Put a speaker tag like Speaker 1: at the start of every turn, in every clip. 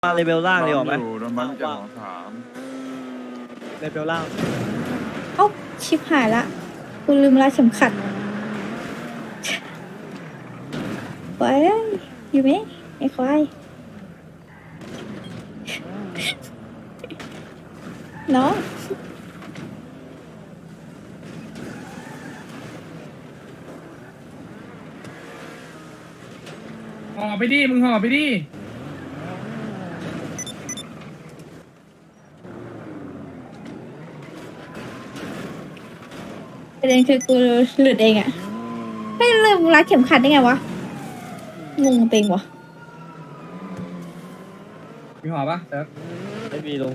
Speaker 1: มาเลเวลล่างดีกว่าไหม
Speaker 2: โดนบังจากของสาม
Speaker 1: เลเวลล่าง
Speaker 3: เอ้าชิบหายละกูลืมรัดเข็มขัดไปอยู่ไหมไอ้ควายน้อง
Speaker 4: ห่อไปดิ มึงห่อไปดิ
Speaker 3: ประเด็นคือกูหลุดเองอะไม่ลืมรัดเข็มขัดได้ไงวะงงเต็งวะ
Speaker 4: มีห่อปะเซิร์ฟ
Speaker 1: ไม่มีลง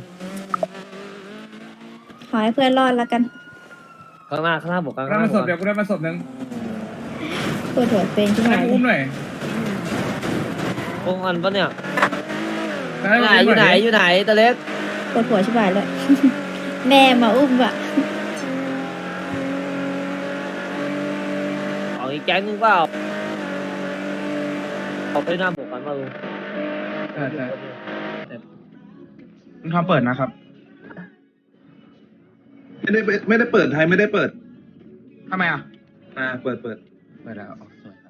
Speaker 3: ขอให้เพื่อนรอดแล้วกัน
Speaker 1: ข้างหน้าบอกข้างห
Speaker 4: ได้
Speaker 1: น้า
Speaker 4: มาศพเดี๋ยวกูได้มาศพหนึ่ง
Speaker 3: ปวดหัวเป็นขึ้น
Speaker 4: ให้
Speaker 3: มา
Speaker 4: กูอุ้มหน่อย
Speaker 1: โอ้อันปะเนี่ย
Speaker 4: ให้กูอุ้มหน่
Speaker 1: อยู่ไหนตะเล็ก
Speaker 3: ปวดหัวชิบหายเลย แม่มาอุ้มอะ
Speaker 1: ของอีกแก๊งนึงเปล่าเอาไปหน้าบอกกันมาลุง
Speaker 4: ใช่ใช่
Speaker 5: คุณทอมเปิดนะครับ
Speaker 6: ไม่ได้เปิดไทยไม่ได้เปิด
Speaker 5: ทำไมอ่ะ
Speaker 6: เปิด
Speaker 5: เปิดแล้วอ๋อสวยครับ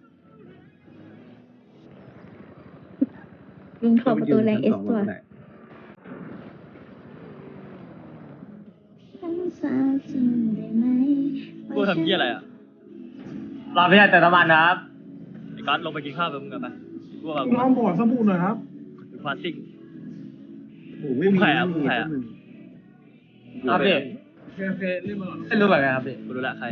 Speaker 3: ลุงถอดประตูแรงเอสตัว
Speaker 1: กูทำเหี้ยอะไรอ่ะรอไม่ได้แต่น้ำมันนะครับไอ้ก๊อตลงไปกินข้าวกับมึงกันไปกูว่า
Speaker 5: น้องบอกสบู่หน่อยครับ
Speaker 1: กูพาซิ่ง
Speaker 6: ไม่มี
Speaker 1: ใครอ่ะใครอ่ะ ครับพี่
Speaker 4: โอเครีบมาหน่อย
Speaker 1: ไม่รู้แบบไงครับพี่กูรู้ละใคร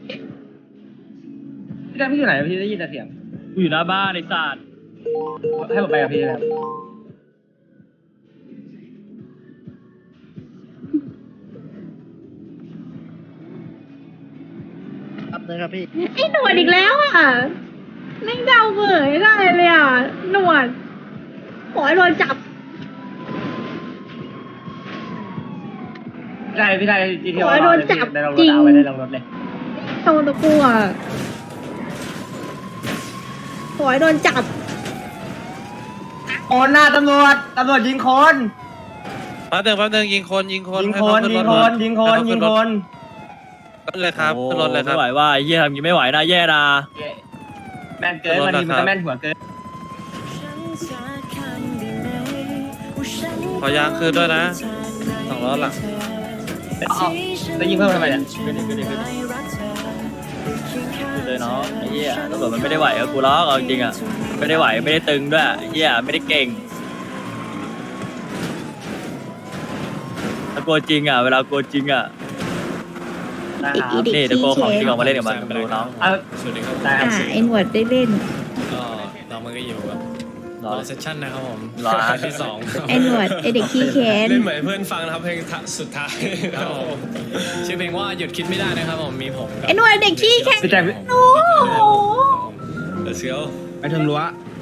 Speaker 1: พี่ได้พี่อยู่ไหนพี่ได้ยินแต่เสียงกูอยู่หน้าบ้านในศาสตร์ให้ผมไปกับพี่นะครับ
Speaker 3: ไอ้หนวดอีกแล้วอ่ะแม่งเดาเบยได้เลยอ่ะหนวดขอให้โดนจับ
Speaker 1: พี่ได้จีที
Speaker 3: ขอให้โดนจับ
Speaker 1: ได้ลงร
Speaker 3: จริ
Speaker 1: ถ
Speaker 3: ง
Speaker 1: เอาไว้ได้ลงรถเลย
Speaker 3: โดนตะกัวขอให้โดนจับ
Speaker 1: โอนหน้าตำรวจยิงคน
Speaker 7: แป๊บนึงยิงคน
Speaker 1: ยิงคน
Speaker 7: ให้เขาขึ้รถ
Speaker 1: ยิงคน
Speaker 7: ขึ้นเลยครับขึ้นรถเลยครับ
Speaker 1: ไม่ไหวว่าเยี่ยทำยังไม่ไหวนะแย่นะแม่นเกินวันนี้มันก็แม่นหัวเกิน
Speaker 7: ขอยางคืนด้วยนะ2 ล้อหลัง
Speaker 1: แล้วยิงเพิ่มทำไมเนี่ยขึ้นเลยเนาะไอ้เหี้ยตำรวจมันไม่ได้ไหวกับกูหรอกเอาจริงอ่ะไม่ได้ไหวไม่ได้ตึงด้วยไอ้เหี้ยไม่ได้เก่งถ้ากลัวจริงอ่ะเวลากลัวจริงอ่ะนี่เดี๋ยวโกของจริงออกมาเล่นกับมันดูน้อง
Speaker 7: สวัสดีครับ
Speaker 3: ไอ้หนวดได้เล่น
Speaker 7: ก็เรามันก็อยู่กับ
Speaker 1: รอ
Speaker 7: เซสชั่นนะครับผม
Speaker 1: รอ
Speaker 7: ที่สอง
Speaker 3: ไอ้หนวดไอ้เด็กขี้แค้น
Speaker 7: เล่นเหมือนเพื่อนฟังนะครับเพลงสุดท้ายครับผมชื่อเพลงว่าหยุดคิดไม่ได้นะครับผมมีผมกับ
Speaker 3: ไอ้หนวดเด็กขี้แค้น
Speaker 1: พี่แจ็ค
Speaker 3: โอ้โห
Speaker 7: เดอะเซียว
Speaker 5: ไปถึงรั้ว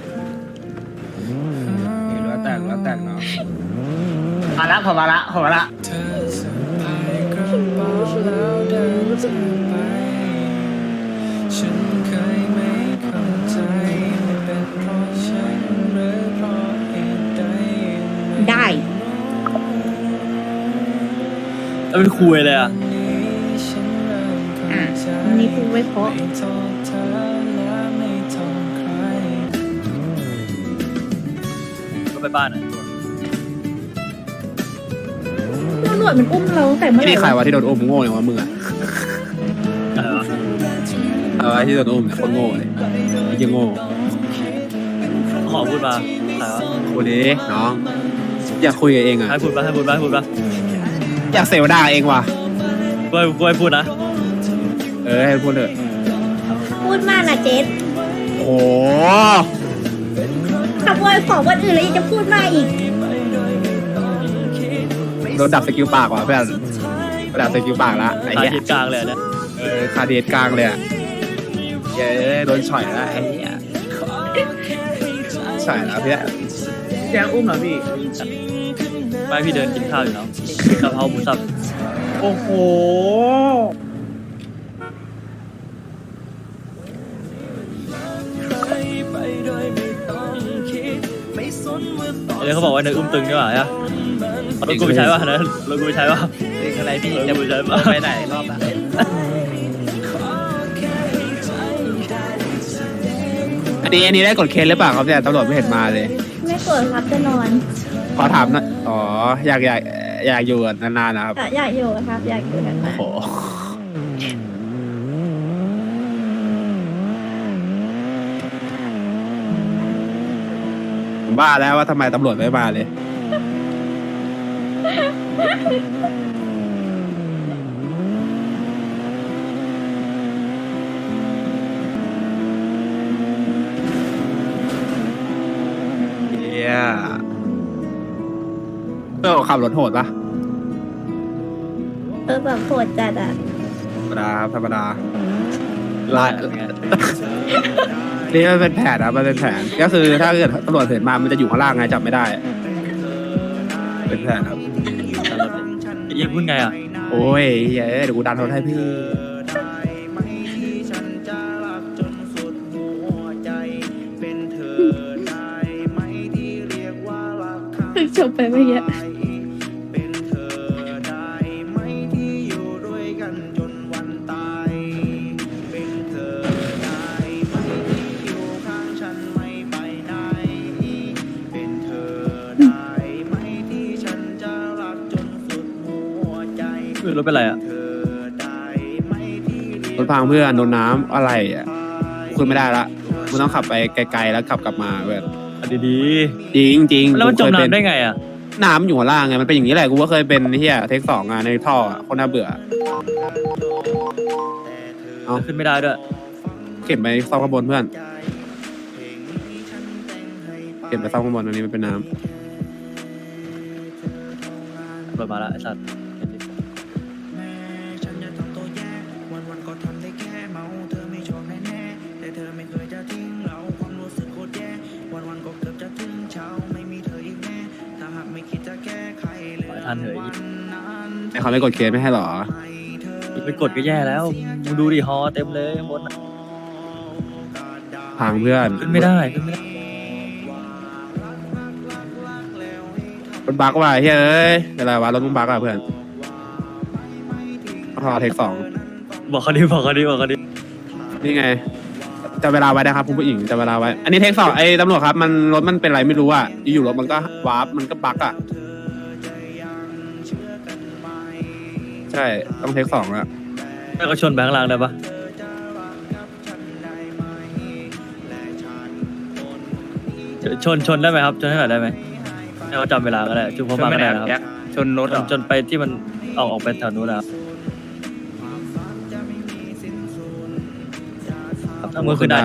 Speaker 5: นี่รั้วแตกเนาะ
Speaker 1: มาละผมมาละ
Speaker 7: เธอสะพายกระเป๋าแล้วเดินจากไปฉันเคยไม่เข้าใจไม่เป็นเพราะฉันหรือเพราะเหตุใด
Speaker 3: ได้
Speaker 1: แล้วเป็นคุยเลยอ่ะ
Speaker 3: อ่ะวันนี้พูดไว้เพราะ
Speaker 7: ไม่โทษเธอและไม่โทษใคร
Speaker 1: ก็ไปบ้านอ่ะ
Speaker 3: หนวดมันอุ้มเราตั้งแต่เมื่อไหร่
Speaker 5: นี่ใครวะที่โดนอุ้มโง่อย่างวะมึงอ่ะ
Speaker 1: อะไรวะ
Speaker 5: ไอ้ที่โดนอุ้มเนี่ยคนโง่เลยไอ้ยังโง่
Speaker 1: ขอพูดมาใครวะ
Speaker 5: กูดิน้อง อยากคุยกับเองอ่ะ
Speaker 1: ให้พูดมา
Speaker 5: อยากเสวนาเองว่ะ
Speaker 1: กูให้พูดนะ
Speaker 5: ให้พูดเถอะ
Speaker 3: พูดมากนะเจส
Speaker 5: โอ้
Speaker 3: ขโมยของวันอื่นแล้วยังจะพูดมากอีก
Speaker 5: โดนดับสกิลปากว่ะเพื่อนดับสกิลปากละไอ้
Speaker 1: หา
Speaker 5: เหี้ย
Speaker 1: เหตุกลางเลยเนี่ย
Speaker 5: คาเดทกลางเลยอ่ะเย้โดนฉ่อยแล้วไอ้เหี้ยฉ่อยแล้วเพื่อนแกอุ้มเหรอพี่
Speaker 1: ไม่พี่เดินกินข้าวอยู่แล้วกะเพราหมูสับ
Speaker 5: โอ้โห
Speaker 7: ไปโดยไม่ต้องคิดไม่สนว่าตอน
Speaker 1: เดี๋ยวเขาบอกว่าเนยอุ้มตึงด้วยฮะรถกูไปใช้ป่ะนะรถกูไปใช้ป่ะ
Speaker 5: ตึงอะไรพี่
Speaker 1: รถ
Speaker 5: จะ
Speaker 1: กูไปใช้ป่ะ
Speaker 5: ไปไหนรอบอะ อันนี้ได้กดเคสหรือเปล่าครับเนี่ยตำรวจไม่เห็นมาเลย
Speaker 3: ไม่กดครับจะนอน
Speaker 5: ขอถามหนะอ๋ออยากอยู่นานๆนะครับ
Speaker 3: อยากอยู่ครับ อยากอยู่นาน
Speaker 5: โอ้โหผมบ้าแล้วว่าทำไมตำรวจไม่มาเลย เฮียขับรถโหดปะ
Speaker 3: แบบโหดจัดอ่ะ
Speaker 5: ธรรมดาครับธรรมดาลายนี่มันเป็นแผนนะมันเป็นแผนก็คือถ้าเกิดตำรวจเห็นมามันจะอยู่ข้างล่างไงจับไม่ได้ เป็นแผนครับ
Speaker 1: ยิงพูดไงอ่ะ
Speaker 5: โอ้ยเฮ้ยเดี๋ยวกูดันรถให้พี่
Speaker 3: เพิ่งจบไปเมื่อกี้
Speaker 1: รถเป็นไรอ่ะ
Speaker 5: รถพังเพื่อนโดนน้ำอะไรอ่ะคุณไม่ได้ละคุณต้องขับไปไกลๆแล้วขับกลับมาแบบ
Speaker 1: ดี
Speaker 5: จริงจริง
Speaker 1: ๆแล้วมันจมน้ำได้ไงอ่ะ
Speaker 5: น้ำอยู่ข้างล่างไงมันเป็นอย่างนี้แหละกูก็เคยเป็นเฮียเทค2ในท่อคนน่าเบื่อ เอา
Speaker 1: ขึ้นไม่ได้ด้วย
Speaker 5: เก็บไปซ่อมข้างบนเพื่อนเก็บไปซ่อมข้างบนอันนี้มันเป็นน้
Speaker 1: รถมาละไอ้สัตว์ ทันเหย
Speaker 5: ำไอ้เขาไม่กดเคสไม่ให้หรอ
Speaker 1: ไปกดก็แย่แล้วมึงดูดิฮอเต็มเลยข้างบน
Speaker 5: พังเพื่อน
Speaker 1: ขึ้นไม่ได้ขึ้นไม่ได้
Speaker 5: รถบักว่ะเฮ้ยเอ้ยอะไรวะรถมึงบักอ่ะเพื่อนพอเทค2
Speaker 1: บอกเขาดิบอกเขาดิบอกเขาดิ
Speaker 5: นี่ไงจะเวลาไว้นะครับคุณผู้หญิงจะเวลาไว้ อันนี้เทค2ไอ้ตำรวจครับมันรถมันเป็นไรไม่รู้อ่ะอยู่ๆรถมันก็วาร์ปมันก็บักอ่ะใช่ต้องเทค2แล้ว
Speaker 1: ให้เขาชนแบงค์ล่างได้ปะชนได้ไหมครับชนให้หน่อยได้ไหมให้เขาจำเวลาก็ได้จุ๊บเขามาก็ได้นะครับ
Speaker 5: ชนรถ
Speaker 1: จนไปที่มันออกไปแถวนู้นนะครับถ้ามือขึ้นได้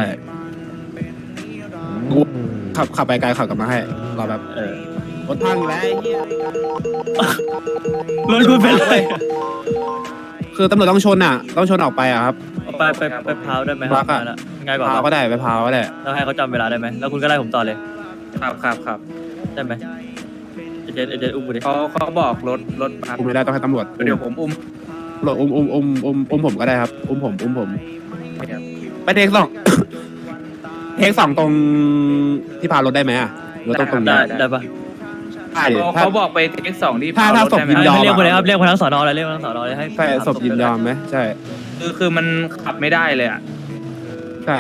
Speaker 5: กูขับไปไกลขับกลับมาให้รอแบบ รถพังอยู่แล้วไอ้เหี้ย
Speaker 1: รถกูเป็นไร
Speaker 5: คือตำรวจต้องชนอ่ะต้องชนออกไปอ่ะครับ
Speaker 1: ไปพาวได้ไหม
Speaker 5: บักอะ
Speaker 1: ง่ายกว่า
Speaker 5: พาวก็ได้ไปพาวก็ได้
Speaker 1: แล้วให้เขาจำเวลาได้ไหมแล้วคุณก็ไล่ผมต่อเลย
Speaker 2: ครับ
Speaker 1: ได้ไหมเจอุ้มกูดิ
Speaker 2: เขาบอกรถครับ
Speaker 5: อุ้มไม่ได้ต้องให้ตำรวจ
Speaker 2: เดี๋ยวผมอุ้ม
Speaker 5: ตำรวจอุ้มผมก็ได้ครับอุ้มผมไปเทค2 เทค2ตรงที่พารถได้ไหมอ่ะหรือว่าตรงนี้
Speaker 1: ได้ปะ
Speaker 5: ได้ดิถ้า
Speaker 2: เขาบอกไปเทค2ที่
Speaker 5: ถ้า
Speaker 2: พาวรถ
Speaker 5: ศพ
Speaker 2: ได้ไหม
Speaker 5: ยินยอม
Speaker 1: เรียกคนเลยครับเรียกคนทั้งสอนอเลยเรียกคนทั้งสอนอเลยให้
Speaker 5: ใช่ศพยินยอมไหมใช่
Speaker 2: คือมันขับไม่ได้เลยอ่ะ
Speaker 5: ใช่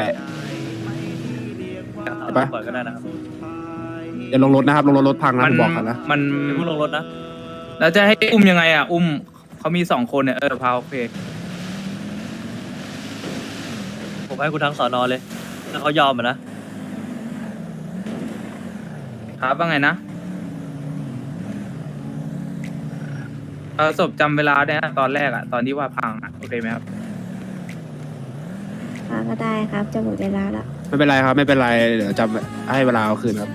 Speaker 1: เอาปล่อยก็ได้นะครับ
Speaker 5: อย่าลงรถนะครับลงรถพังนะผมบอกกันนะ
Speaker 2: มัน
Speaker 1: อย่าเพิ่งลงรถนะ
Speaker 2: แล้วจะให้อุ้มยังไงอ่ะอุ้มเขามี2คนเนี่ยพาวโอเค
Speaker 1: ผมให้คุณทั้งสอนอเลยถ้าเขายอมอ่ะนะ
Speaker 2: ครับว่าไงนะศพจำเวลาได้นะตอนแรกอ่ะตอนที่ว่าพังอ่ะโอเคไหมครับ
Speaker 3: ก็ได้ครับ จะหมดเวลาแล้ว
Speaker 5: ไม่เป็นไรครับไม่เป็นไรเดี๋ยวจำให้เวลาเอาคืนครับ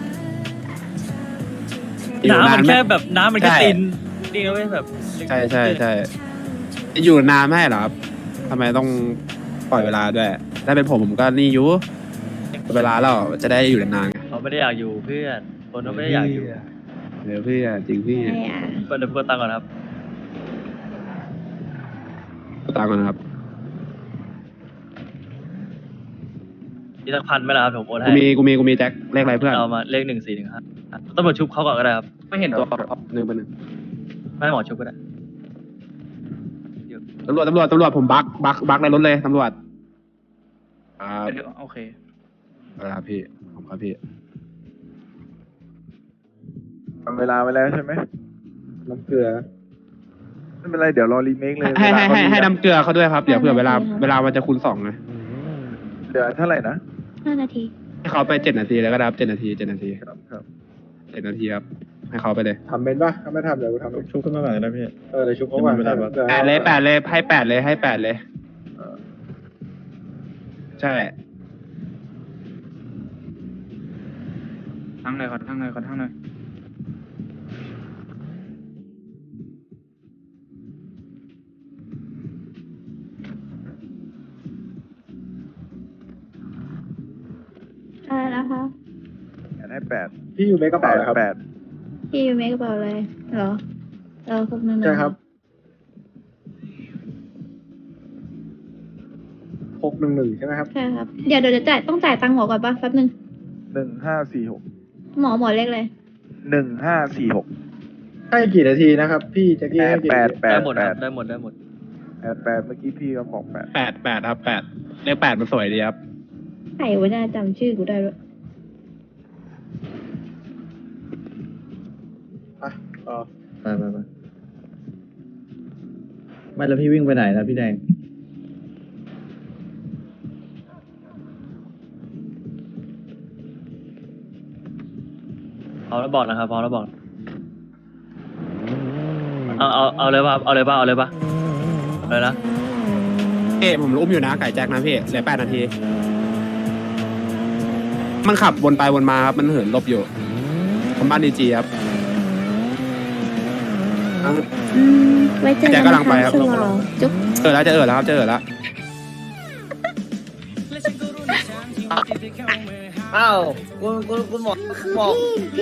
Speaker 1: น้ำมันแค่แบบน้ำมันแค่
Speaker 5: ใช่
Speaker 1: ตีนนี่ก็ไม่แบบ
Speaker 5: ใช่อยู่นานไม่ให้เหรอครับทำไมต้องปล่อยเวลาด้วยถ้าเป็นผมก็นี่อยู่เวลาเราจะได้อยู่นานๆไง
Speaker 1: เขาไม่ได้อยากอยู่เพื่อนคนเขาไม่ได้อยากอยู่
Speaker 5: เดี๋ยวพี่จริงพี่
Speaker 3: ไม่อ่ะ
Speaker 1: เปิดเปิดตังค์ก่อนครับ
Speaker 5: ตามกันนะครับ
Speaker 1: มีสัก1,000ไหมล่ะครับผมโอนให้
Speaker 5: กูมีแจ็คเลขอะไรเพื่อน
Speaker 1: เอามาเลข1415 ตำรวจชุบเขาก่อนก็ได้ครับ
Speaker 2: ไม่เห็นตัว
Speaker 5: หนึ่งเป็นหนึ่ง
Speaker 1: ไม่ให้หมอชุบก็ได้
Speaker 5: ตำรวจผมบักในรถเลยตำรวจครับ
Speaker 2: โอเค
Speaker 5: ครับพี่ผมครับพี่
Speaker 8: ทำเวลาไว้แล้วใช่ไหม
Speaker 6: น้ำเกลือ
Speaker 8: ไม่เป็นไรเดี๋ยวรอรีเมคเลย
Speaker 5: ให้
Speaker 8: เวลาเขาดี
Speaker 5: น้ำเกลือเขาด้วยครับเดี๋ยวเผื่อเวลามันจะคูณ2ไง
Speaker 8: เดี๋ยวเท่าไหร่นะ
Speaker 3: 5 นาที
Speaker 5: ให้เขาไป7 นาทีแล้วก็ได้ครับ7 นาที7 นาที
Speaker 8: ครับครับ
Speaker 5: 7 นาทีครับให้เขาไปเลย
Speaker 6: ทำเป็นปะถ้าไม่ทำเดี๋ยวกูทำ
Speaker 4: ชุบขึ้นมาหน่อยนะพี่
Speaker 6: เดี๋ยวชุบเขาก่อน
Speaker 4: ไม่ได้ปะ
Speaker 5: 8 เลยให้8เลยให้8เลย
Speaker 8: เออ
Speaker 5: ใช่
Speaker 2: ทั้งเลยขอทั้งเลยขอทั้งเลย
Speaker 3: อะไรนะคะ
Speaker 8: ให้8
Speaker 6: พี่อยู่ในกระเป๋าเลยครับ
Speaker 8: 8
Speaker 3: พี่อยู่เมกกระเป๋าเลยเหรอพวกนั้น
Speaker 6: ใช่ครับ611ใช่ไหมครับ
Speaker 3: ใช่ครับ เดี๋ยวจะต้องจ่ายตังค์หมอก่อนปะแป๊บนึง
Speaker 8: 1546
Speaker 3: หมอเล็กเลย
Speaker 8: 1546
Speaker 6: ให้กี่นาทีนะครับ พี่แจ็คกี้ให้กี่นาที
Speaker 1: ได้หมดครับได้หมด
Speaker 8: 8เมื่อกี้พี่ก็บอก8
Speaker 5: 8ครับ8เลข8มันสวยดีครับ
Speaker 3: ใครวะน่าจำชื่อกูได้ด้วย
Speaker 6: ไป
Speaker 4: ไปไม่แล้วพี่วิ่งไปไหนนะพี่แดง
Speaker 1: พร้อมแล้วบอกนะครับพร้อมแล้วบอกเอาเลยป่ะเอาเลยป่ะเลยนะ
Speaker 5: ผมอุ้มอยู่นะไก่แจ็คนะพี่เหลือ8 นาที มันขับวนไปวนมาครับมันเหินหลบอยู่ผมบ้านดีจีครับ
Speaker 3: ไว้เจอ
Speaker 5: แจ็
Speaker 3: กั
Speaker 5: คน กำลังไปครับ
Speaker 3: ฉลองจุ๊บ
Speaker 5: จะเออแล้วครับจะเออแล้ว
Speaker 9: อ้าวคุณหมอ